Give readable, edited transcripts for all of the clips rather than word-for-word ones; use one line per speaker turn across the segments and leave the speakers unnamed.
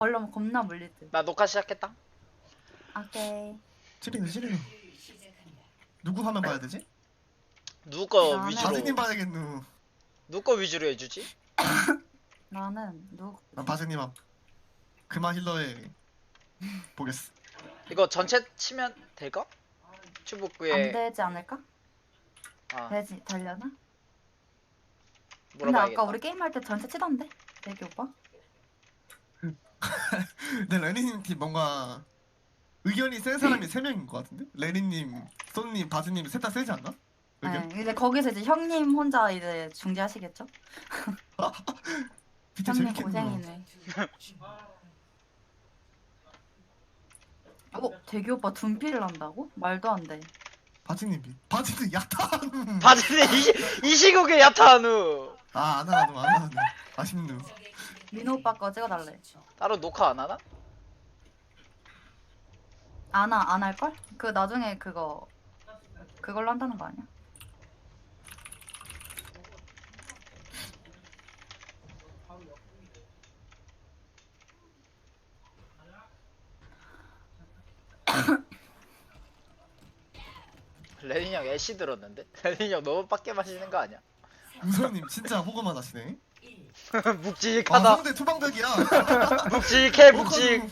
얼른 겁나 물릴 듯.
나 녹화 시작했다.
오케이.
찌리는 누구 화면 봐야 되지?
누구 거
나는-
위주로
바지님 봐야겠누.
누구 거 위주로 해주지?
나는 누
난 바지님 앞 그마 힐러에 보겠어.
이거 전체 치면 될까?
안
추복구에
되지 않을까?
아
되지 되려나? 근데
물어봐야겠다.
아까 우리 게임할 때 전체 치던데? 대기 오빠?
근데 레니님 팀 뭔가 의견이 센 사람이 3명인 것 같은데? 레니님, 소님, 바지님 셋 다 세지 않나? 의견?
네. 이제 거기서 이제 형님 혼자 이제 중재하시겠죠?
진짜
형님
재밌겠네.
고생이네. 대기 오빠 둔피를 한다고? 말도 안 돼.
바지님 야탄.
바지는 이 시국에 야타하누.
안 하노. 아쉽누.
민호 오빠 거 찍어달래.
따로 녹화 안 하나?
안 할걸? 그 나중에 그걸로 한다는 거 아니야?
레닌 형 애쉬 들었는데? 레닌 형 너무 빡게 마시는 거 아니야?
우선님 진짜 호감만 하시네.
묵직하다.
상대 투방벽이야.
묵직해 묵직.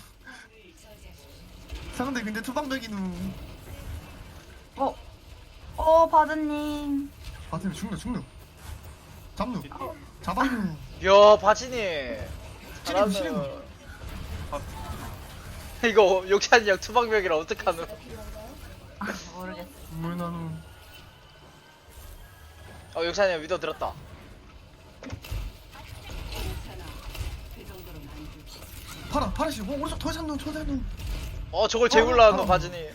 상대 근데 투방벽이누.
바드님.
바지님 죽누. 잡았누.
야 바지니.
찌리누.
잘하네. 이거 욕찬이 형 투방벽이라 어떡하노?
모르겠어.
물나누.
욕찬이 형 위도 들었다.
파라씨 오른쪽 더 잡누.
저걸 재울라 너
어.
바지니.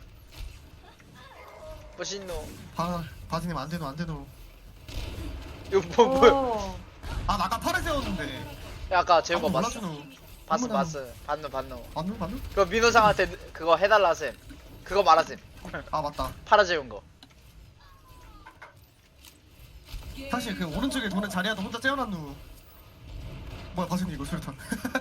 멋있노.
바지님 안 되노.
이거 뭐.
오.
나 아까 파라 세웠는데.
야, 아까 재운 거 봤어.
몰라주노.
봤어. 봤노.
맞누?
그거 민호상한테 그거 해달라 쌤. 그거 말하셈.
맞다.
팔아 재운 거.
사실 그 오른쪽에 도는 자리야도 혼자 째어놨누. 뭐야 바지님 이거 수류탄.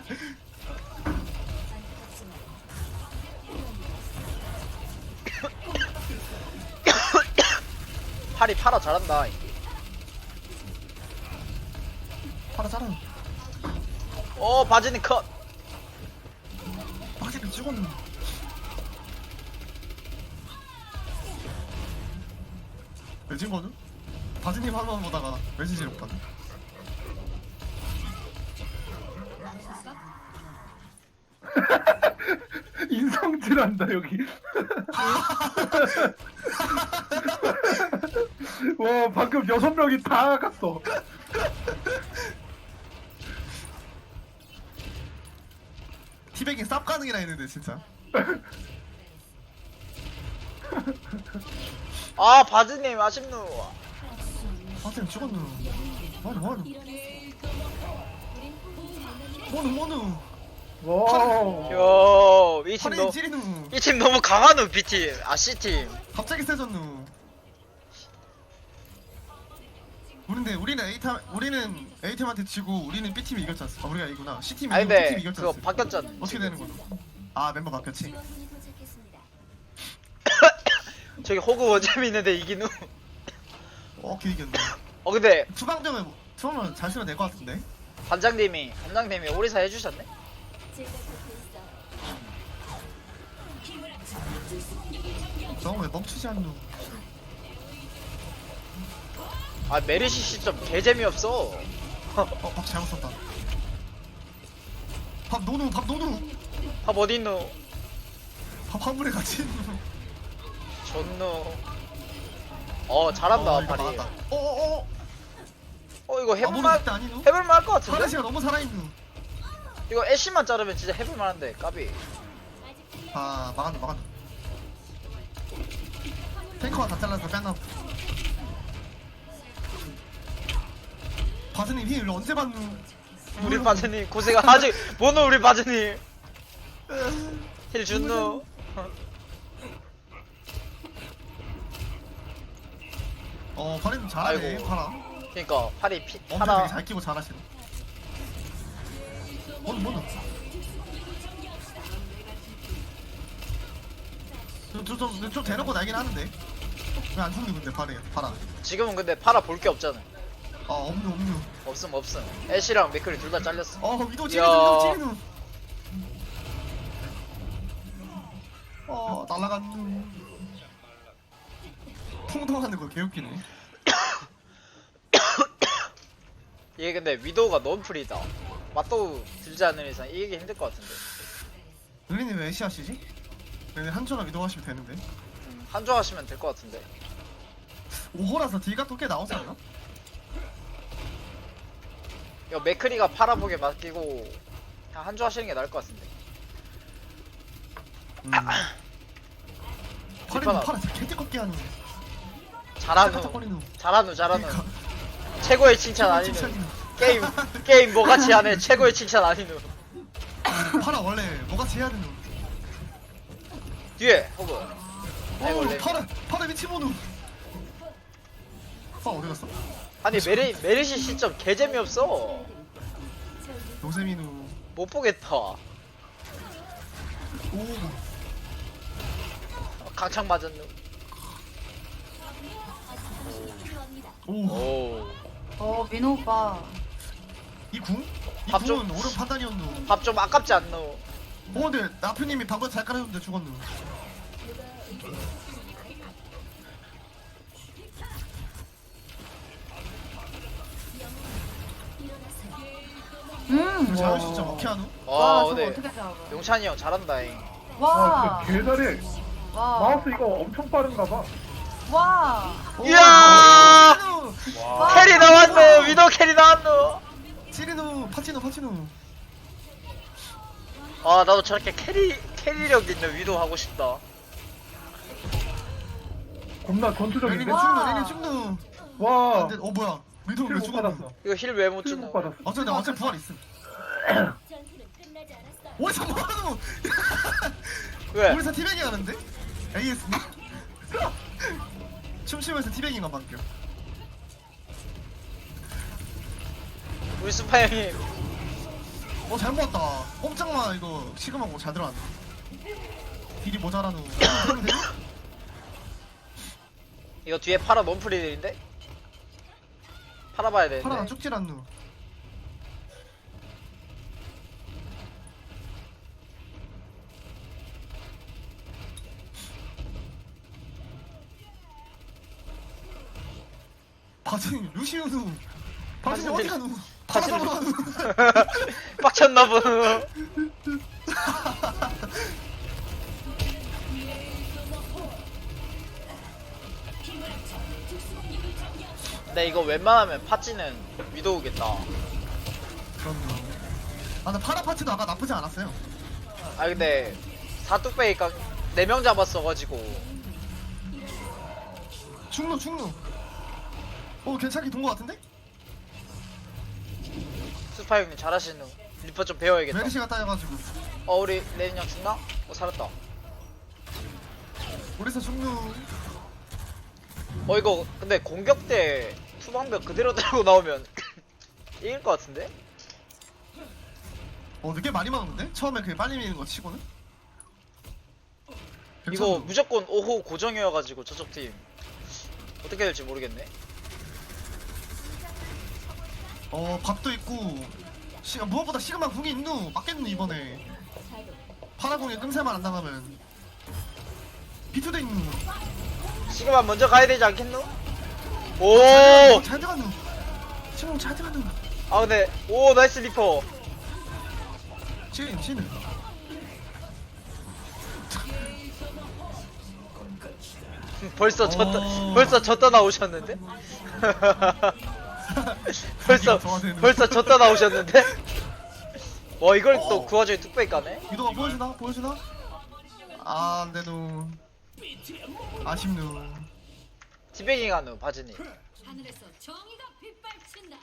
팔아 잘한다.
파라 잘하누.
바지니 컷.
바지님 찍었누. 왜 찍거누? 바지님 한번 보다가 왠지 지렸다.
인성질한다 여기. 와 방금 6명이 다 갔어.
티백이 쌉 가능이라 했는데 진짜.
바지님 아쉽노.
바지님 찍었누. 뭐하누. 뭐누.
와.
이 팀
파라님 찌리누.
이 팀 너무 강하노 B팀. C팀.
갑자기 세졌누. 우리는 A팀한테 지고 우리는 B팀이 이겼지 않습니까? 우리가 이구나. C팀이
아니
B팀이
근데
이겼지
그거
않습니까?
바뀌었잖아.
어떻게 되는 거노? 멤버 바뀌었지.
저기 호구 원점이 있는데 이기누.
길 이겼네.
근데
투방점을 잘 쓰면 될 것 같은데.
반장님이 오리사 해주셨네.
저거 왜 멈추지 않누?
메르시 시점 개 재미없어.
밥 잘못 썼다. 밥 노누.
밥 어딨노?
밥 한 물에 같이 있누.
존노. 잘한다
이거
파리.
막았다.
이거
모르겠다
해볼만
아니누?
해볼만 할 것 같은데?
파라시가 너무 살아있누.
이거 애쉬만 자르면 진짜 해볼만한데 까비.
막았누. 탱커가 다 잘라서 뺐나. 바스님 힐 언제 받누?
우리 바즈니 고생 아직 뭐노 우리 바즈니 힐 준노.
파라님 잘하네.
아이고.
파라.
그니까 팔이
엄청 되게
하나
잘 끼고 잘하시네. 뭐는 좀 대놓고 날긴 하는데 왜 안 죽니 근데 봐라.
지금은 근데 팔아 볼 게 없잖아.
아 없누.
없음. 애쉬랑 맥클이 둘 다 잘렸어.
위도
야.
찌르누. 날라갔누. 풍덩하는 거 개웃기네.
이게 근데 위도우가 너무 프리다. 맞도 들지 않는 이상 이기기 힘들 것 같은데.
릴리님 왜 애쉬 하시지? 네, 한조랑 위도 하시면 되는데.
한조 하시면 될 것 같은데.
5호라서 딜가 또 꽤 나오지 않나?
이거 맥크리가 팔아보게 맡기고 그냥 한조 하시는 게 나을 것 같은데.
파리는 파라 개띠껍게 하는.
잘하누.
짝짝거리누.
잘하누.
그러니까.
최고의 칭찬 아니누.
칭찬이누.
게임 뭐같이 하네. 최고의 칭찬 아니누.
파라 원래 뭐같이 해야 되누.
뒤에 호그. 아이고, 원래.
파라 미치모누. 어디 갔어?
아니 메르시 시점 개 재미없어.
요세미누.
못 보겠다. 강창 맞았누.
오.
오.
민호 오빠.
이 궁? 이
밥 좀-
궁은 옳은 판단이었누.
밥 좀 아깝지 않노?
근데 나표님이 방금 잘 깔아줬는데 죽었누. 그 자연 진짜 먹게 하누?
와,
와
저거
근데
어떻게 잡아?
용찬이 형 잘한다잉.
와.
진짜 개잘해.
와.
마우스 이거 엄청 빠른가 봐.
와.
이야!
와.
캐리 나왔노. 위도 캐리 나왔노.
치리누 파치누.
아 나도 저렇게 캐리력 있는 위도 하고 싶다.
겁나
레니
전투적인데?
죽누.
와.
근데 뭐야? 위도 왜
킬못
죽었누?
받았어.
이거 힐 왜 못
킬못
주노?
받았어.
어차피 나 어차피 부활 있음. 어디서 뭐하누?
왜?
우리사 티베깅 하는데? AS 춤추면서 티베깅만 바뀌어.
우리 스파 형님.
잘 모았다. 꼼짝마 이거 시그마고 잘 들어왔네. 딜이 모자라누.
이거 뒤에 파라 논프리들인데? 팔아봐야 되는데.
파라가 쭉질 않누. 바진 루시우누. 바진 어디 가누? 파라
바진-
잡으러 가누.
빡쳤나 보노. 근데 이거 웬만하면 파찌는 위도우겠다.
그럼요. 근데 파라 파츠도 아까 나쁘지 않았어요.
아 근데 사뚝배기가 4명 잡았어가지고.
충루. 괜찮게 돈 거 같은데?
스파 형님 잘하시는. 리퍼 좀 배워야겠다.
메르시가 따여가지고.
우리 레인 형 죽나? 살았다.
우리사 충루.
이거 근데 공격 때 투방벽 그대로 들고 나오면 이길 것 같은데?
늦게 많이 막는데? 처음에 그게 빨리 미는 거 치고는?
이거
괜찮아.
무조건 5호 고정이어가지고 저쪽 팀 어떻게 될지 모르겠네.
밥도 있고 무엇보다 시그마 궁이 있누. 맞겠누 이번에. 파라궁에 끔새만 안 당하면 비투도 있누.
시그마 먼저 가야 되지 않겠노? 오!
잘 들어갔누. 시그마 잘 들어갔누.
아 근데 오 나이스 리퍼.
치는
벌써
오.
벌써 졌다 나오셨는데? 벌써 졌다 나오셨는데? 와 이걸 또 그 와중에 뚝배기 까네?
유도가 보여주나? 안돼누. 아쉽누.
티베깅 하는 바지니.
하늘에서 정의가 빗발친다.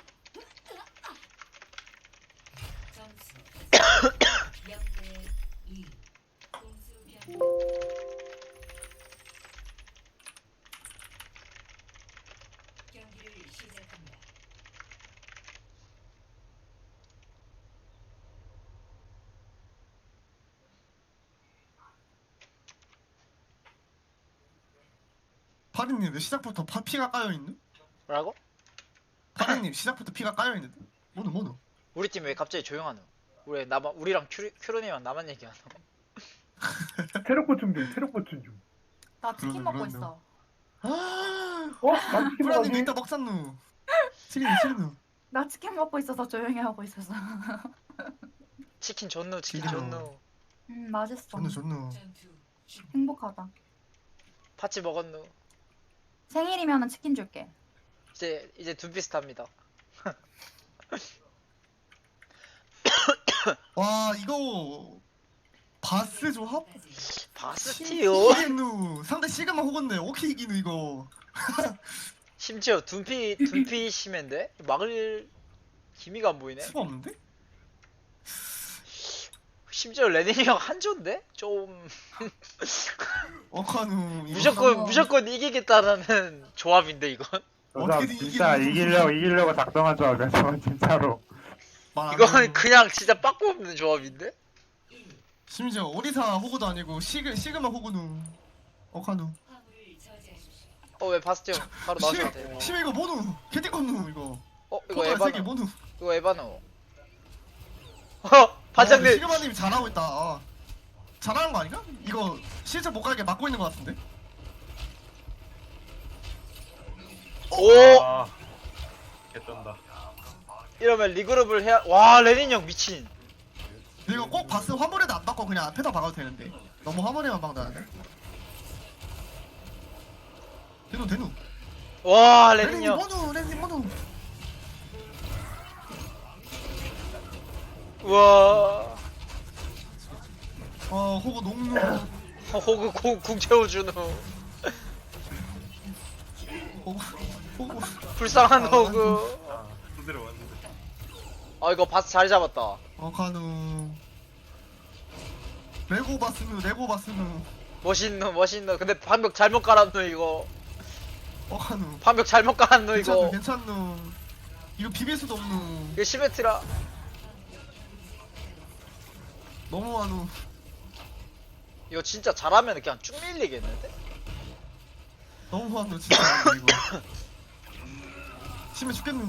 점수 0대 2. 공수 변. 경기를 시작합니다.
파리님 왜 시작부터 피가 까여있는?
뭐라고?
파리님 시작부터 피가 까여있는데? 뭐노
우리 팀 왜 갑자기 조용하노? 우리랑 큐로님이랑 나만 얘기하노?
체력 보충 중, 체력 보충 중.
나 치킨
그러네,
먹고
그러네.
있어.
난 치킨
프라님
먹었니?
이따 먹산누 치리누
나 치킨 먹고 있어서 조용히 하고 있어서.
치킨 존누 치킨
지금.
존누.
맛있어.
존누
전투
행복하다.
파치 먹었누.
생일이면은 치킨 줄게.
이제 둠피스타입니다.
와 이거 바스 조합?
바스티오.
시기누 상대 시그마 호건데 오케이 이기누 이거
심지어 둠피 심인데 막을 기미가 안 보이네.
수가 없는데?
심지어 레닌이 형 한조인데 좀
어카누 이거
무조건 이기겠다라는 조합인데 이건.
어떻게든
진짜 이기려고 작성한 조합이야, 저건 진짜로.
말안
이건
해요.
그냥 진짜 빠꾸 없는 조합인데.
심지어 오리사 호구도 아니고 시그마 호구누 어카누
화물을 저지하십시오.
왜 바스티온 바로 나오셔도 돼.
심해 이거 뭐누 캐디건누 이거
이거
포탈 세개
에바노.
뭐누
이거 에바노.
와,
반장님.
시그마님이 잘하고 있다 잘하는 거 아닌가? 이거 실제 못 가게 막고 있는 거 같은데?
오
아, 개쩐다.
이러면 리그룹을 해야. 와 레닌 형 미친.
이거 꼭 바스 화물에도 안 박고 그냥 앞에다 박아도 되는데 너무 화물에만 박다는데? 대누
와 레닌
레닌님
형.
뭐누 레닌님 뭐누
우와.
호구 농누
호그 궁 채워주는
호구
불쌍한
아,
호그.
아, 두드려 왔는데.
이거 바스 잘 잡았다.
어카누 레고 바스누
멋있노. 근데 방벽 잘못 깔았노 이거.
어카누
방벽 잘못 깔았노 이거.
괜찮누 이거 비빌 수도 없누
이거 시메트라.
너무하누
이거 진짜 잘하면 그냥 쭉 밀리겠는데?
너무하누 진짜 이거 심해 죽겠누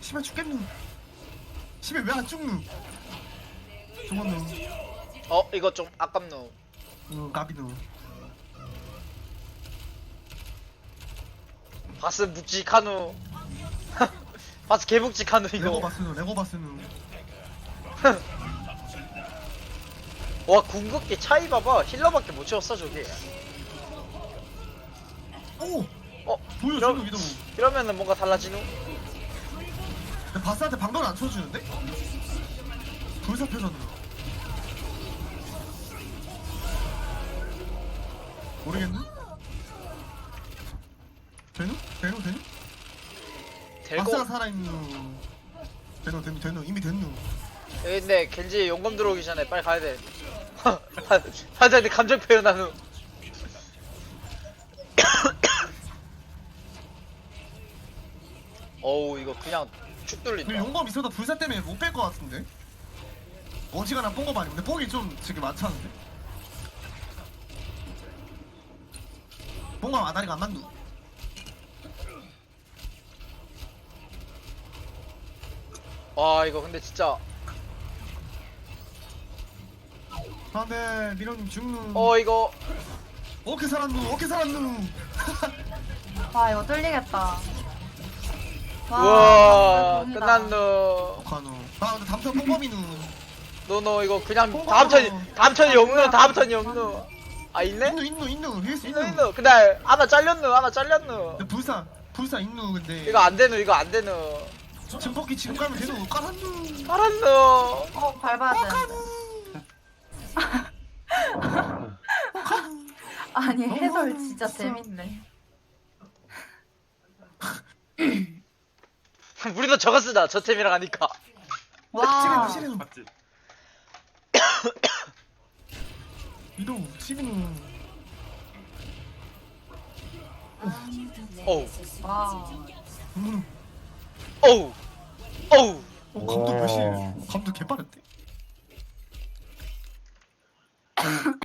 심해 왜 안 죽누 죽었누
이거 좀 아깝노.
가비누
바스 묵직하누. 바스 개묵직하누
레고
이거.
바스누
와 궁극기 차이 봐봐. 힐러밖에 못 채웠어 저게.
오! 보여
이런-
준우 이동
이러면은 뭔가 달라지누?
근데 바스한테 방벽을 안 쳐주는데? 불사표잖아 모르겠네? 되누?
될거.
바스가 살아있누 되누 이미 됐누
근데 겐지 용검 들어오기 전에 빨리 가야 돼. 반장님 감정 표현하누. 어우 이거 그냥 축
근데
뚫린다.
용검 있어도 불사 때문에 못 뺄 것 같은데? 어지간한 뽕검 아니고 근데 뽕이 좀 지금 많잖은데? 뽕검 아다리가 안 맞누
와 이거 근데 진짜.
안돼 미련님 죽누
이거
어떻게 살았누
와 이거 뚫리겠다.
우와
방금
끝났누.
어카누 근데 다음 턴 뽕검이누
노노 이거 그냥
뽕
다음 턴이
먹어.
없누. 다음 턴이 없누. 있네?
있누 힐수
있누.
있누
근데 하나 잘렸누.
근데 불사 있누 근데
이거 안 되누.
증폭기 지금 가면 되누 깔았누
알았누.
밟아야 되는데. 아니 해설 진짜 재밌네.
우리도 저거 쓰자. 저 템이랑 하니까.
와.
시리누
맞지?
이동 시리누
어우.
와.
어우.
감독 몇시 감독 개빠른데